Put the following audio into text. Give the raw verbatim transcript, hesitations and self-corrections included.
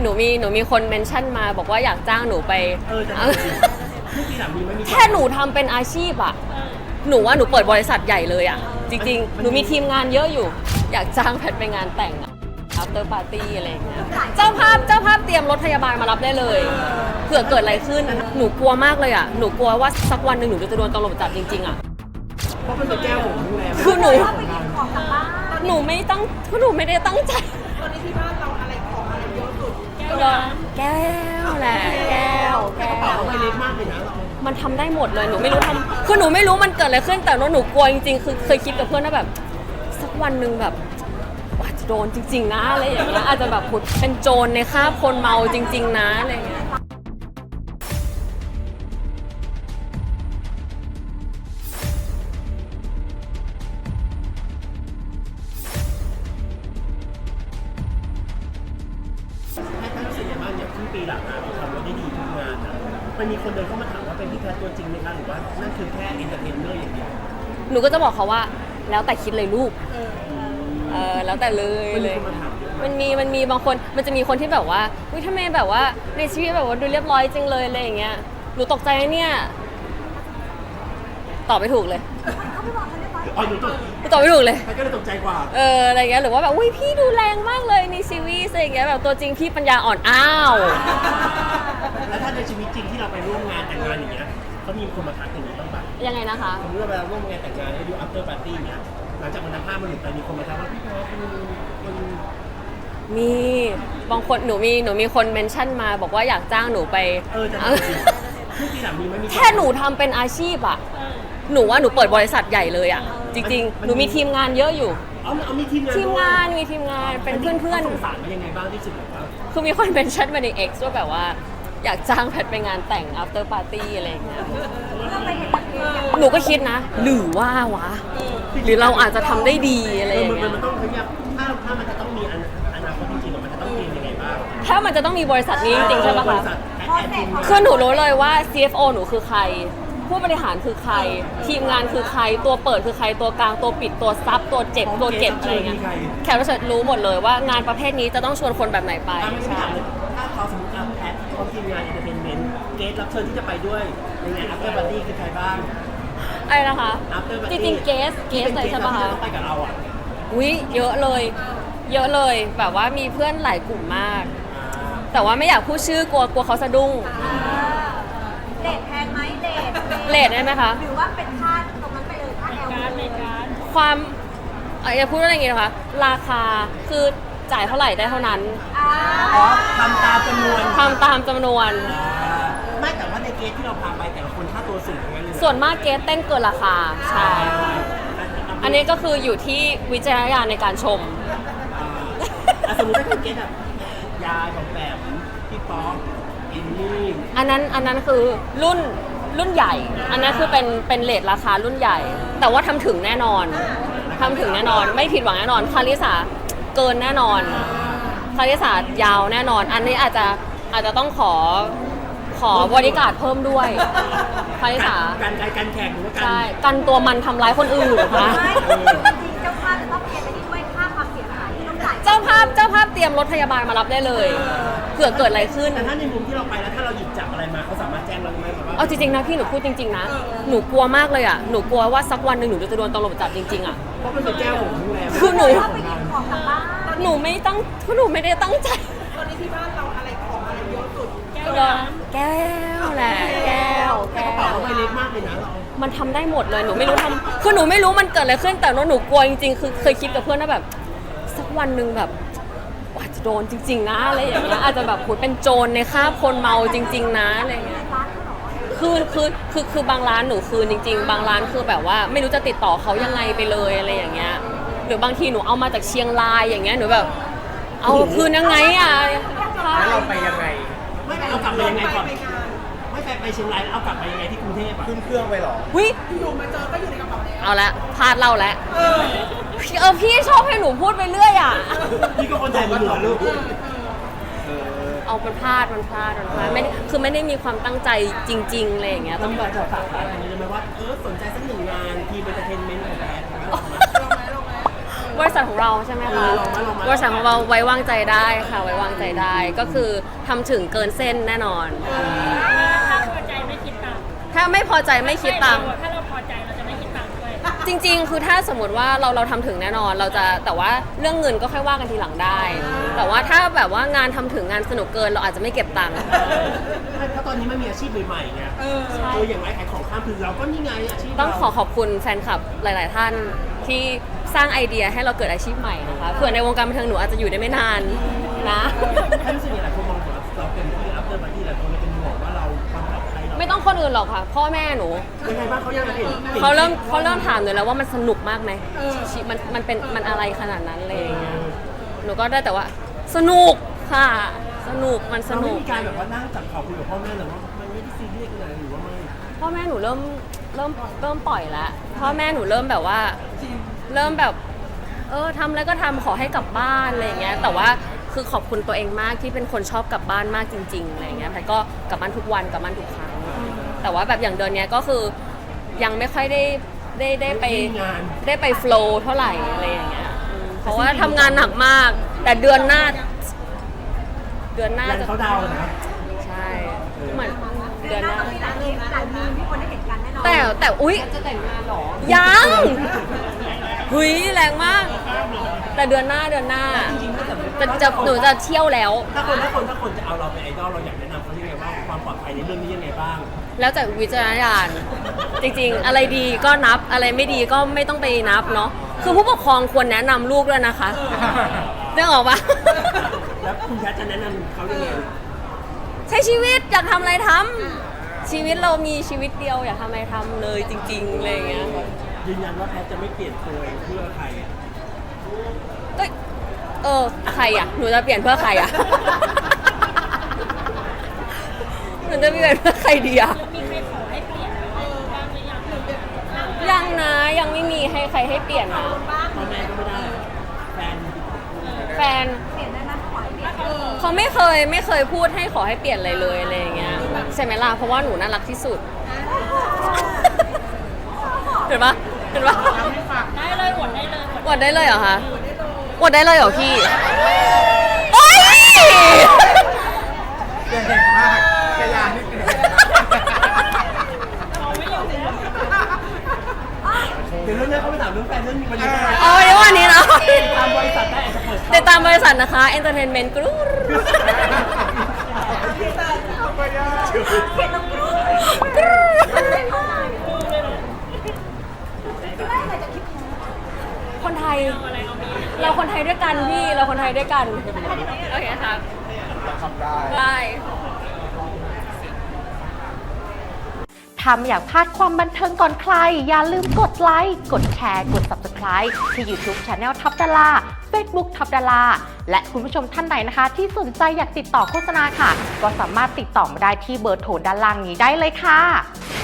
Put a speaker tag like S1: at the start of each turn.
S1: หนูมีหนูมีคนเมนชั่นมาบอกว่าอยากจ้างหนูไป
S2: เออแต่ที่ทีหลังมีไม่มี
S1: แค่หนูทำเป็นอาชีพอะหนูว่าหนูเปิดบริษัทใหญ่เลยอะจริงๆหนูมีทีมงานเยอะอยู่ อยากจ้างแพทไปงานแต่งอะ after party อะไรอย่างเงี้ยเจ้าภาพเจ้าภาพเตรียมรถพยาบาลมารับได้เลยเผื่อเกิดอะไรขึ้นหนูกลัวมากเลยอะหนูกลัวว่าสักวันหนึ่งหนูจะโดนตำรวจจับจริงๆอะ
S2: เพราะมันเป็นแก้วของโรงแรม
S1: คือหนูหนูไม่ตั้งคือหนูไม่ได้ตั้งใจ
S3: ตอนนี้ที่บ้านเราอะไรของอะไรเยอะสุด
S1: แก้วแหละแก้วแก้
S2: กระเป๋าว ใบเล็กมากเลยนะ
S1: มันทำได้หมดเลยหนูไม่รู้ทำคือหนูไม่รู้มันเกิดอะไรขึ้นแต่ว่าหนูกลัวจริงๆคือเคยคิดกับเพื่อนว่าแบบสักวันหนึ่งแบบอาจจะโดนจริงๆนะอะไรอย่างเงี้ยอาจจะแบบผุดเป็นโจรในคราบคนเมาจริงๆนะอะไรอย่างเงี้ย
S2: ให้ท่านรู้สึกยังไงบ้างอย่างที่ปีหลังมาเราทำมาได้ดีทุกงานนะมันมีคนเดินเข้ามาถามว่าเป็นพี่แพทตัวจริงไหมคะหรือว่านั่นคือแค่เอนเตอร์เทนเนอร์อย่างเดียว
S1: หนูก็จะบอกเขาว่าแล้วแต่คิดเลยลูกเออแล้วแต่เลย
S2: มัน
S1: เล
S2: มี
S1: ย
S2: คนมาถามเยอะ
S1: มันมีมันมีบางคนมันจะมีคนที่แบบว่าวิทำไมแบบว่าในชีวิตแบบว่าดูเรียบร้อยจริงเลยอะไรอย่างเงี้ยหนูตกใจนะเนี่ยตอบไม่ถูกเลย
S2: อ๋อหนูตก
S1: หนูตอบไม่ถูกเลย
S2: แพทก็เลยตกใจกว่า
S1: เอออะไรเงี้ยหรือว่าแบบอุ้ยพี่ดูแรงมากเลยในซีรีส์อะไรอย่างเงี้ยแบบตัวจริงพี่ปัญญาอ่อนอ้าว
S2: แล้วถ้าในชีวิตจริงที่เราไปร่วมงานแต่งงานอย่างเงี้ยเขามีคนมาทักอย่างนี้บ้างปะ
S1: ยังไงนะคะ
S2: สมมติว่าเวลาร่วมงานแต่งงานแล้วดู after party เนี้ยหลังจากวันนั้นภาพมันหลุดไปมีคนมาทักว่าพี่แพทมันมัน
S1: มีบางคนหนูมีหนูมีคนเมนชั่นมาบอกว่าอยากจ้างหนูไป
S2: เออแต่ที่ทีหลังมีไม่มี
S1: แค่หนูทำเป็นอาชีพอะหนูว่าหนูเปิดบริษัทใหญ่เลยอะจริงๆหนูมีทีมงานเยอะอยู่
S2: เอาเอามีทีมงาน
S1: ทีมงานมีทีมงานเป็นเพื่อน
S2: ๆสงสารมายังไงบ้างที่สุดแบบว่า
S1: ๆคือมีคนเมนชั่นมาใน X ว่าแบบว่าอยากจ้างแพทไปงานแต่ง after party อะไรอย่างเงี้ยหนูก็คิดนะ หรือว่าวะ หรือเราอาจจะทำได้ดีอะไรอย่าง
S2: มัน
S1: เงี้ย
S2: มันต้องขยับถ้าถ้ามันจะต้องมีอนาอนาคตจริงๆมันจะต้องเตรียมยังไงบ้าง
S1: ถ้ามันจะต้องมีบริษัทนี้จริงๆใช่ปะ
S2: บ
S1: คะ
S2: ริษัทแอดแอดมิน
S1: คือหนูรู้เลยว่า ซี เอฟ โอ หนูคือใคร ผู้บริหารคือใคร ทีมงานคือใคร ตัวเปิดคือใคร ตัวกลาง ตัวปิด ตัวซับ ตัวเจ็บ ตัวเก็บอะไรเงี้ย แขกรับเชิญรู้หมดเลยว่างานประเภทนี้จะต้องชวนคนแบบไหนไป
S2: อ่ะไม่ใช่
S1: ใช่
S2: ถามเลยถ้าเขาสมมติเอาแพทพร้อมทีมงานเอนเตอร์เทนเมนต์เกสรับเชิญที่จะไปด้วยในงาน after party คือใครบ้าง
S1: อะไรนะคะ
S2: after
S1: จ
S2: party
S1: ริงๆเกส เกสเลยใช่ปะคะ
S2: ที่ต้องไปกับเราอ่ะ
S1: อุ้ยเยอะเลย เยอะเลย แบบว่ามีเพื่อนหลายกลุ่มมาก แต่ว่าไม่อยากพูดชื่อกลัวกลัวเขาสะดุ้ง
S4: เลทแพงไหมเลท
S1: เลทได้ไหมคะ
S4: หรือว่าเป็นค่าตรงนั้นไปเลยค่าแอล
S3: การในการ
S1: ความเอ่ออย่าพูดว่าอะไรอย่างงี้นะคะ ราคาคือจ่ายเท่าไหร่ได้เท่านั้น
S4: อ่า
S2: อ๋อทำตามจำนวน
S1: ทำตามจำนวน
S2: อ่าไม่แต่ว่าในเกสที่เราพาไปแต่ละคนค่าตัวสูงทั้งนั้นเลยะ
S1: ส่วนมากเกสเต้นเกินราคา ใช่ อันนี้ก็คืออยู่ที่วิจารณญาณในการชม
S2: อ่ะสมมติถ้าเป็นเกสแบบยายของแบบพี่ป๊อกอินนี่
S1: อันนั้นอันนั้นคือรุ่นรุ่นใหญ่ อันนั้นคือเป็นเป็นเลทราคารุ่นใหญ่ แต่ว่าทำถึงแน่นอนทำถึงแน่นอน ไม่ผิดหวังแน่นอน คาริสาเกินแน่นอน คาริสายาวแน่นอน อันนี้อาจจะอาจจะต้องขอขอบริการดเพิ่มด้วย คาริสา
S2: การการการแข่งหรือว่าการ
S1: ใช่ กันตัวมันทำร้ายคนอื่นนะคะ
S4: ไม่จริงๆเจ้าภาพจะต้องเปลี่ยนไปที่ด้วยค่าความเสียหายที่ต้องจ่าย
S1: เจ้าภาพเจ้าภาพเตรียมรถพยาบาลมารับได้เลย เผื่อเกิดอะไรขึ้น
S2: แต่ถ้าในมุมที่เราไปแล้วถ้าเราหยิบจับอะไรมาเขาสามารถแจ้งเราได้ไหมครับว่า
S1: เอาจริงๆนะพี่หนูพูดจริงๆนะ หนูกลัวมากเลยอ่ะ หนูกลัวว่าสักวันหนึ่งหนูจะโดนตำรวจจับจริงๆอ่ะ
S2: เพราะมันเป็นแก้วของโรงแรม
S1: คือหนู
S4: ถ้าไปหยิบของกลับบ้าน
S1: หนูไม่ตั้งคือหนูไม่ได้ตั้งใจ
S3: ตอนนี้ที่บ้านเราอะไรของอะไรเยอะสุด แก้ว
S1: แก้วแหละแก้ว
S2: แต่
S1: แก้
S2: กระเป๋าว ใบเล็กมากเลยนะเรา
S1: มันทำได้หมดเลย หนูไม่รู้ทำคือหนูไม่รู้มันเกิดอะไรขึ้น แต่ว่าหนูกลัวจริงๆ คือเคยคิดกับเพื่อนว่าแบบ สักวันหนึ่งแบบอาจจะโดนจริง ๆ นะอะไรอย่างเงี้ย อาจจะแบบโหเป็นโจรในคราบคนเมาจริง ๆ นะอะไรอย่างเงี้ย
S4: ร้านเขาเหรอ
S1: คืนคือคือคือบางร้านหนูคืนจริง ๆ บางร้านคือแบบว่าไม่รู้จะติดต่อเขายังไงไปเลยอะไรอย่างเงี้ย หรือบางทีหนูเอามาจากเชียงรายอย่างเงี้ย หนูแบบ เอาคืนยังไงอ่ะ
S5: แล้วเราไปยังไง
S2: ไม่เอากลับมายังไงก่อนไม่ไปไปเชียงรายแล้วเอากลับมายังไงที่กรุงเทพอ่ะ
S5: ขึ้นเครื่องไปเหรอ
S1: วิ
S3: อยู่มาเจอก็อยู่ในกระเป๋าแล้ว
S1: เอาละพลาดเล่าแล้วเออพี่ชอบให้หนูพูดไปเรื่อยอ่ะ
S2: พี่ก็คนใจมันเหรอลูก
S5: เออ
S1: เอามันพลาดมันพลาดมันพลาดไม่ได้คือไม่ได้มีความตั้งใจจริงๆอะไรอย่างเงี้ย
S2: ต้
S1: ต้
S2: อ
S1: อง ง
S2: แบบจะฝากอะไรเลยไหมว่าเออสนใจสักหนึ่งงานทีมเอนเตอร์เทนเมนต์ของแพท
S3: ลงไหมลงไหม
S1: บริษัทของเราใช่ไหม
S2: เอ
S1: คะ
S2: อลองไหมลองไหม
S1: บริษัทของเราไว้วางใจได้ค่ะไว้วางใจได้ก็คือทำถึงเกินเส้นแน่นอน
S6: ถ้าพอใจไม่คิดตังค์
S1: ถ้าไม่พอใจไม่คิดตังค์
S6: ถ้าเราพอใจเราจะไม่คิดตังค์ด้วย
S1: จริงๆ คือถ้าสมมติว่าเราเราทำถึงแน่นอนเราจะแต่ว่าเรื่องเงินก็ค่อยว่ากันทีหลังได้ แต่ว่าถ้าแบบว่างานทำถึงงานสนุกเกินเราอาจจะไม่เก็บตังค์
S2: เพราะตอนนี้มันมีอาชีพใหม่ๆไงเอออย่างไรขายของข้ามคือเราก็นี่ไงอาชีพ
S1: ต้องขอขอบคุณแฟนคลับหลาย ๆ ท่านที่สร้างไอเดียให้เราเกิดอาชีพใหม่นะคะเผื่อในวงการบันเทิงหนูอาจจะอยู่ได้ไม่นานนะ
S2: ท่านรู้สึกยังไงหลายคนมองว่าเราเป็นที่อัพเดทมาที่หลายคนเลยเป็นห่วงว่าเราความปลอดภัยเรา
S1: ไม่ต้องคนอื่นหรอกค่ะ พ่อแม่หนู
S2: ยังไงบ้างเขายังเห็น
S1: เขาเริ่มเขาเริ่มถามหนูแล้วว่ามันสนุกมากไหมชีมันมันเป็นมันอะไรขนาดนั้นเลยอย่างเงี้ยหนูก็ได้แต่ว่าสนุกค่ะ สนุกมันส
S2: เรา
S1: นุ
S2: ไม่
S1: ก
S2: มีการแบบว่านั่งจับเข่าคุยกับพ่อแม่หรือว่ามันไม่ได้ซีเรียสอะไรหรือว่าไม่
S1: พ่อแม่หนูเริ่มเริ่มเริ่มปล่อยแล้วพ่อแม่หนูเริ่มแบบว่า เริ่มแบบ เออทำแล้วก็ทำขอให้กลับบ้านอะไรอย่างเงี้ย แต่ว่าคือขอบคุณตัวเองมากที่เป็นคนชอบกลับบ้านมากจริงๆอะไรอย่างเงี้ยแพทย์ก็กลับบ้านทุกวันกลับบ้านทุกครั้ง แต่ว่าแบบอย่างเดือนเนี้ยก็คือยังไม่ค่อยได้ได้ได้ไป
S2: งาน
S1: ได้ไปโฟล์เท่าไหร่อะไรอย่างเงี้ยอืมเพราะว่าทำงานหนักมาก แต่เดือนหน้า เดือนหน้า
S2: ยัน
S1: จะ
S2: เขาดาวน์นะ
S1: ใช่เหมือน
S4: เดื
S1: เดื
S4: อ
S1: อน น
S4: ห
S1: ห
S4: น้า
S1: น้า
S4: ต้องมีหลายมีหลายมีที่คนได้เห็นกันแน่นอน
S1: แต่แต่อุ๊ยจะแต่งงานหรอ ยังหุยแรงมาก แต่เดือนหน้าเดือนหน้า
S2: จริงๆถ้าเกิด
S1: จะจะหนูจะเที่ยวแล้ว
S2: ถ้าคนถ้าคนถ้าคนจะเอาเราเป็นไอดอลเราอยากแนะนำเขายังไงว่าความปลอดภัยในเรื่องนี้ยังไงบ้าง
S1: แล้วแต่วิจารณญาณจริงๆ อะไรดีก็นับอะไรไม่ดีก็ไม่ต้องไปนับเนาะคือผู้ปกครองควรแนะนำลูกด้วยนะคะเรื่องออกปะ
S2: แล้วคุณแพทย์จะแนะนำเขายังไง
S1: ใช้ชีวิตอยากทำอะไรทำชีวิตเรามีชีวิตเดียวอยากทำอะไรทำเลยจริงๆอะไรอย่างเงี้ยค่ะ
S2: ยืนยันว่าแพทย์จะไม่เปลี่ยนตัวเองเพื่อใคร
S1: ก็เออใครอ่ะหนูจะเปลี่ยนเพื่อใครอ่ะ หนูจะเปลี่ยนเพื่อใครดีอ่ะ
S6: มีใครขอให้เปลี่ยนไหมบ้างหรือยัง
S1: ยังนะยังไม่มีให้ใครให้เปลี่ยนนะ
S2: พ่อแม่ก็ไม่ได้ แฟน
S1: แฟน
S4: เปลี่ยนได้ไหมขอให้เปลี่ยน
S1: เขาไม่เคยไม่เคยพูดให้ขอให้เปลี่ยนอะไรเลยอะไรอย่างเงี้ยใช่ไหมล่ะเพราะว่าหนูน่ารักที่สุด เห็นปะเห็นปะ
S6: ได้เลยอวดได้เลยอวด
S1: อวดได้เลยเหรอคะอวดได้เลยเหรอพี่โอ๊ย
S5: เก่งมากกระยานี่เก่ง
S6: เราไม่อยู่แล้ว
S2: เดี๋ยวเรื่องนี้เขาไปถามเรื่องแฟนเรื่องมีประเด็นอะไร
S1: เอาไว้วันนี้นะ
S2: ตามบริษัทได้อาจจะเปิด
S1: ติดตามบริษัทนะคะ Entertainment Group คนไทย เราคนไทยด้วยกันพี่ เราคนไทยด้วยกัน โอเคครับ
S5: ทำได้
S1: ได้
S7: ถ้าไม่อยากพลาดความบันเทิงก่อนใคร อย่าลืมกดไลค์ กดแชร์ กด Subscribe ที่ YouTube Channel ท็อปดารา Facebook ท็อปดาราและคุณผู้ชมท่านใดนะคะ ที่สนใจอยากติดต่อโฆษณาค่ะ ก็สามารถติดต่อมาได้ที่เบอร์โทรด้านล่างนี้ได้เลยค่ะ